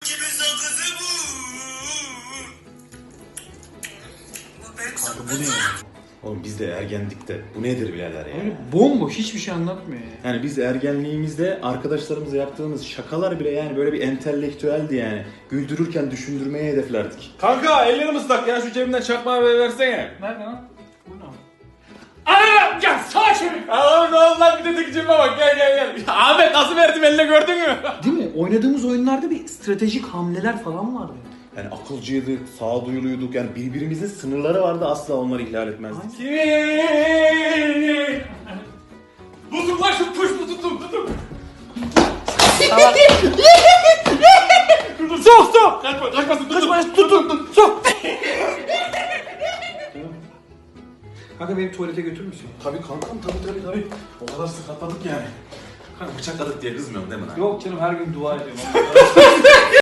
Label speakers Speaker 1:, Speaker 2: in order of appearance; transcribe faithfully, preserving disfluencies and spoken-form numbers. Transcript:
Speaker 1: Kanka bu ne ya?
Speaker 2: Oğlum biz de ergenlikte. Bu nedir birader ya?
Speaker 1: Yani bomboş hiçbir şey anlatmıyor ya.
Speaker 2: Yani biz ergenliğimizde arkadaşlarımızla yaptığımız şakalar bile yani böyle bir entelektüeldi yani. Güldürürken düşündürmeye hedeflerdik.
Speaker 3: Kanka ellerim ıslak ya, şu cebimden çakmağı ver- versene.
Speaker 1: Nerede lan? Bu ne?
Speaker 3: Anam gel sağa çevir. Aa ne oldu lan, bir de tekicime bak, gel gel gel. Ahmet nasıl verdim eline, gördün mü?
Speaker 1: Değil mi? Oynadığımız oyunlarda bir stratejik hamleler falan vardı.
Speaker 2: Yani akılcıydık, sağduyuluyduk yani birbirimizin sınırları vardı, asla onları ihlal etmezdik.
Speaker 3: Tutun lan şu puş mu, tutun tutun. Sok sok. Kaçma, kaçmasın, tutun.
Speaker 1: Kaçma, tutun, tutun, sok. Kanka beni tuvalete götürür müsün?
Speaker 2: Tabii kankam, tabii tabii tabii. O kadar sıkatladık yani. Kanka bıçakladık diye kızmıyorum değil mi lan?
Speaker 1: Yok canım, her gün dua ediyorum.